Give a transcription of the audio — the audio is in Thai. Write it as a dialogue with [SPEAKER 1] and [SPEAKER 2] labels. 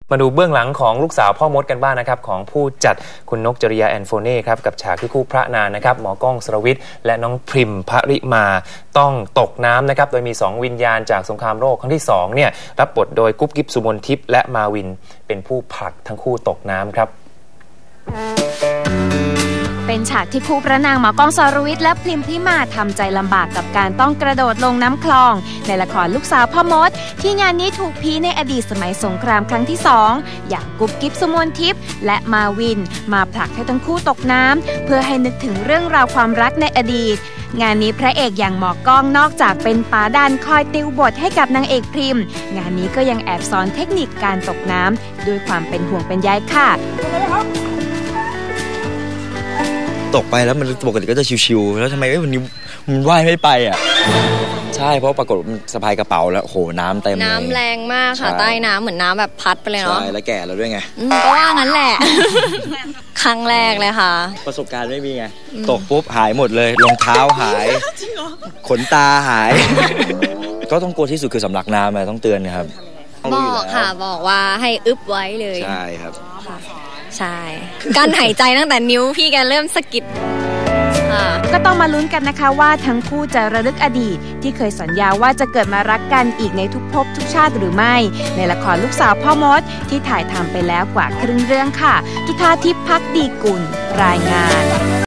[SPEAKER 1] มาดูเบื้องหลังของลูกสาวพ่อมดกันบ้างนะครับของผู้จัดคุณนกจริยาแอนโฟเน่ครับกับฉากที่คู่พระนางนะครับหมอกล้องสรวิทย์และน้องพริมภริมาต้องตกน้ำนะครับโดยมี2วิญญาณจากสงครามโลกครั้งที่2เนี่ยรับบทโดยกุ๊บกิ๊บสุมนทิพย์และมาวินเป็นผู้ผลักทั้งคู่ตกน้ำครับ
[SPEAKER 2] เป็นฉากที่คู่พระนางหมอกล้องสรวิทย์และพริมพิมาทำใจลำบากกับการต้องกระโดดลงน้ำคลองในละครลูกสาวพ่อมดที่งานนี้ถูกพีในอดีตสมัยสงครามครั้งที่2อย่างกุ๊บกิ๊บสุมนทิพย์และมาวินมาผลักให้ทั้งคู่ตกน้ำเพื่อให้นึกถึงเรื่องราวความรักในอดีตงานนี้พระเอกอย่างหมอกล้องนอกจากเป็นป๋าดันคอยติวบทให้กับนางเอกพริมงานนี้ก็ยังแอบสอนเทคนิคการตกน้ำด้วยความเป็นห่วงเป็นใยค่ะ
[SPEAKER 3] ตกไปแล้วมันปกติก็จะชิวๆแล้วทำไมวันนี้มันว่ายไม่ไปอ่ะใช่เพราะปรากฏมันสะพายกระเป๋าแล้วโหน้ำเต็มเลย
[SPEAKER 4] น้ำแรงมากค่ะใต้น้ำเหมือนน้ำแบบพัดไปเลยเนาะ
[SPEAKER 3] ใช่แล้วแก่แล้วด้วยไง
[SPEAKER 4] ก็ว่างั้นแหละ ครั้งแรกเลยค่ะ
[SPEAKER 3] ประสบการณ์ไม่มีไงตกปุ๊บหายหมดเลยรองเท้าหายขนตาหาย ก็ต้องกลัวที่สุดคือสำลักน้ำต้องเตือนนะครับ
[SPEAKER 4] บอกค่ะบอกว่าให้อึบไว้เลย
[SPEAKER 3] ใช่ครับ
[SPEAKER 4] ใช่การหายใจตั้งแต่นิ้วพี่แกเริ่มสะกิด
[SPEAKER 2] ก็ต้องมาลุ้นกันนะคะว่าทั้งคู่จะระลึกอดีตที่เคยสัญญาว่าจะเกิดมารักกันอีกในทุกภพทุกชาติหรือไม่ในละครลูกสาวพ่อมดที่ถ่ายทำไปแล้วกว่าครึ่งเรื่องค่ะจุฑาทิพย์ ภักดีกุลรายงาน